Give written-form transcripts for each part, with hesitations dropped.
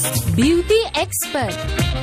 Beauty Expert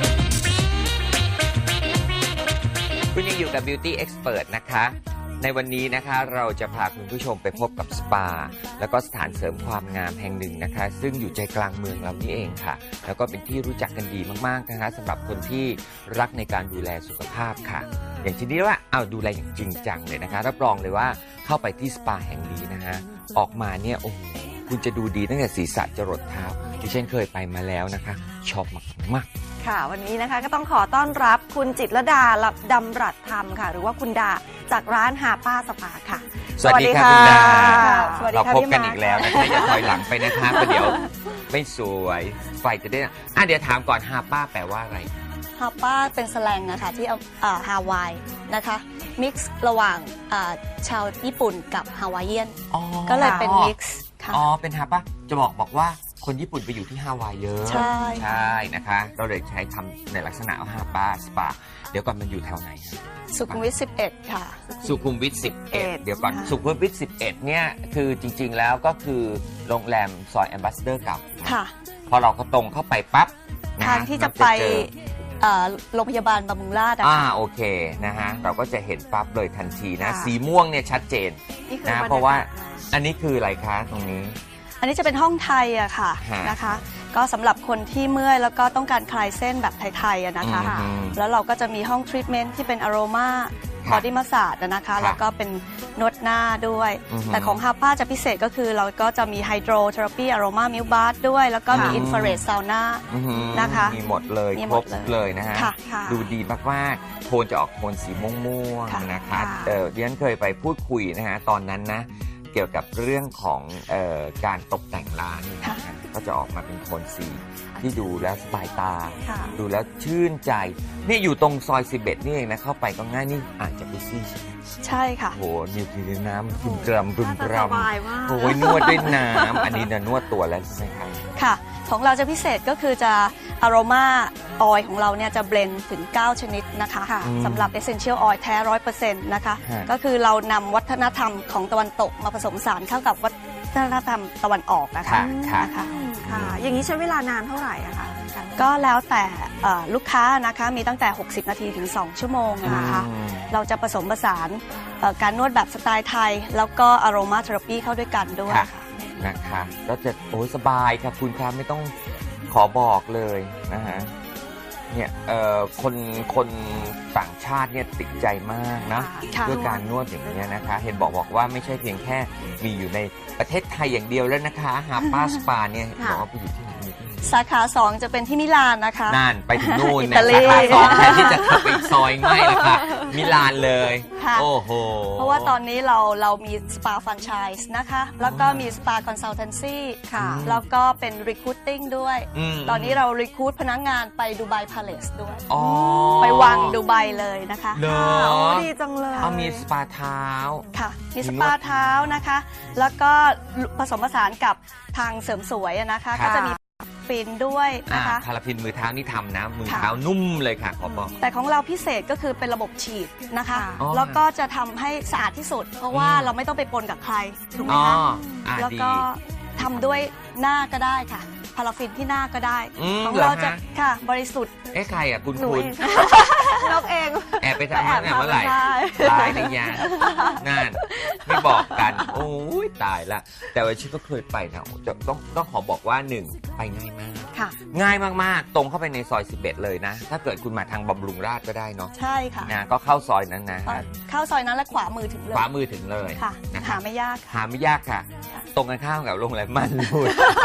คุณยังอยู่กับ Beauty Expert นะคะ ในวันนี้นะคะเราจะพาคุณผู้ชมไปพบกับสปาแล้วก็สถานเสริมความงามแห่งหนึ่งนะคะซึ่งอยู่ใจกลางเมืองเรานี่เองค่ะแล้วก็เป็นที่รู้จักกันดีมากๆนะคะสำหรับคนที่รักในการดูแลสุขภาพค่ะอย่างที่นี้ว่าเอาดูแลอย่างจริงจังเลยนะคะรับรองเลยว่าเข้าไปที่สปาแห่งนี้นะคะออกมาเนี่ยโอ้โหคุณจะดูดีตั้งแต่ศีรษะจรดเท้าดิฉันเคยไปมาแล้วนะคะชอบมากค่ะวันนี้นะคะก็ต้องขอต้อนรับคุณจิตรลดาดำรัตธรรมค่ะหรือว่าคุณดาจากร้านฮาป้าสปาค่ะสวัสดีค่ะคุณดาสวัสดีเราค่ะพบกันพี่อีกแล้วนะคะอย่าถอยหลังไปนะคะเพราะเดี๋ยวไม่สวยไฟจะได้เดี๋ยวถามก่อนฮาป้าแปลว่าอะไรฮาป้าเป็นสแลงนะคะที่ฮาวายนะคะมิกซ์ระหว่างชาวญี่ปุ่นกับฮาวายเอียนก็เลยเป็นมิกซ์ค่ะเป็นฮาป้าจะบอกว่าคนญี่ปุ่นไปอยู่ที่ฮาวายเยอะใช่นะคะเราเลยใช้คำในลักษณะฮาป้าสปาเดี๋ยวก่อนมันอยู่แถวไหนสุขุมวิท11ค่ะสุขุมวิท11เดี๋ยวก่อนสุขุมวิท11เนี่ยคือจริงๆแล้วก็คือโรงแรมซอยแอมบาสเดอร์เก่าค่ะพอเราก็ตรงเข้าไปปั๊บทางที่จะไปโรงพยาบาลบำรุงราษฎร์โอเคนะฮะเราก็จะเห็นปั๊บเลยทันทีนะสีม่วงเนี่ยชัดเจนนะเพราะว่าอันนี้คืออะไรคะตรงนี้อันนี้จะเป็นห้องไทยอะค่ะนะคะก็สำหรับคนที่เมื่อยแล้วก็ต้องการคลายเส้นแบบไทยๆนะคะแล้วเราก็จะมีห้องทรีทเมนต์ที่เป็นอโรมาบอดี้มัสซาจนะคะแล้วก็เป็นนวดหน้าด้วยแต่ของฮาป้าจะพิเศษก็คือเราก็จะมีไฮโดรเทอราปีอโรมามิลบาร์ด้วยแล้วก็มีอินฟราเรดซาวน่านะคะมีหมดเลยครบเลยนะฮะดูดีมากๆโทนจะออกโทนสีม่วงๆนะคะดิฉันเคยไปพูดคุยนะฮะตอนนั้นนะเกี่ยวกับเรื่องของการตกแต่งร้านก็จะออกมาเป็นโทนสีที่ดูแล้วสบายตาดูแล้วชื่นใจนี่อยู่ตรงซอย11นี่เองนะเข้าไปก็ง่ายนี่อาจจะไปซี่ใช่ค่ะโอ้โหมีน้ำบึมกรำบึมกรำโอ้ยนวดด้วยน้ำอันนี้นะนวดตัวแล้วใช่ไหมครับค่ะของเราจะพิเศษก็คือจะอโรมาออยล์ของเราเนี่ยจะเบลนด์ถึง9ชนิดนะคะสำหรับ Essential Oil แท้ 100% นะคะก็คือเรานำวัฒนธรรมของตะวันตกมาผสมผสานเข้ากับวัฒนธรรมตะวันออกนะคะอย่างนี้ใช้เวลานานเท่าไหร่อะคะก็แล้วแต่ลูกค้านะคะมีตั้งแต่60นาทีถึง2ชั่วโมงนะคะเราจะผสมผสานการนวดแบบสไตล์ไทยแล้วก็อโรมาเทอราปีเข้าด้วยกันด้วยนะคะก็จะสบายครับคุณครับไม่ต้องขอบอกเลยนะฮะเนี่ยคนต่างชาติเนี่ยติดใจมากนะด้วยการนวดอย่างนี้นะคะเห็นบอกว่าไม่ใช่เพียงแค่มีอยู่ในประเทศไทยอย่างเดียวแล้วนะคะฮาป้าสปาเนี่ยบอกว่าไปอยู่ที่ไหนสาขา2จะเป็นที่มิลานนะคะนั่นไปถึงนู่นนะสาขา2แทนที่จะเข้าไปซอยไม่ละค่ะมิลานเลยโอ้โหเพราะว่าตอนนี้เรามีสปาแฟรนไชส์นะคะแล้วก็มีสปาคอนซัลเทนซีค่ะแล้วก็เป็นรีคูตติ้งด้วยตอนนี้เรารีคูตพนักงานไปดูไบพาเลสด้วยไปวังดูไบเลยนะคะดีจังเลยมีสปาเท้าค่ะมีสปาเท้านะคะแล้วก็ผสมผสานกับทางเสริมสวยนะคะก็จะมีฟินด้วยนะคะพาราฟินมือเท้านี่ทำนะมือเท้านุ่มเลยค่ะขอบอกแต่ของเราพิเศษก็คือเป็นระบบฉีดนะคะแล้วก็จะทำให้สะอาดที่สุดเพราะว่าเราไม่ต้องไปปนกับใครถูกไหมคะแล้วก็ทำด้วยหน้าก็ได้ค่ะพาราฟินที่หน้าก็ได้ของเราจะค่ะบริสุทธิ์ใครอ่ะคุณนกเองแอบไปทำงานเมื่อไหร่ตายหรือยังนั่นไม่บอกกันโอ้ยตายละแต่ว่าชิคก็เคยไปนะต้องขอบอกว่า1ไปง่ายมากง่ายมากๆตรงเข้าไปในซอย11เลยนะถ้าเกิดคุณมาทางบำรุงราษฎร์ก็ได้เนาะใช่ค่ะนะก็เข้าซอยนั้นนะเข้าซอยนั้นและขวามือถึงเลยขวามือถึงเลยค่ะหาไม่ยากค่ะตรงกันข้ามกับโรงแรมม่านรูด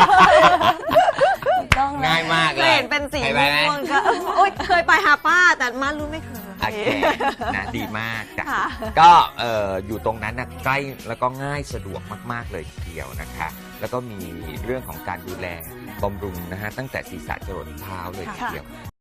ง่ายมากเลยเห็นเป็นสีม่วงก็เคยไปฮาป้าแต่ม่านรูดไม่เคยโอเคนะดีมากจ้ะก็อยู่ตรงนั้นนะใกล้แล้วก็ง่ายสะดวกมากๆเลยทีเดียวนะคะแล้วก็มีเรื่องของการดูแลบำรุงนะฮะตั้งแต่ศีรษะจรดเท้าเลยทีเดียว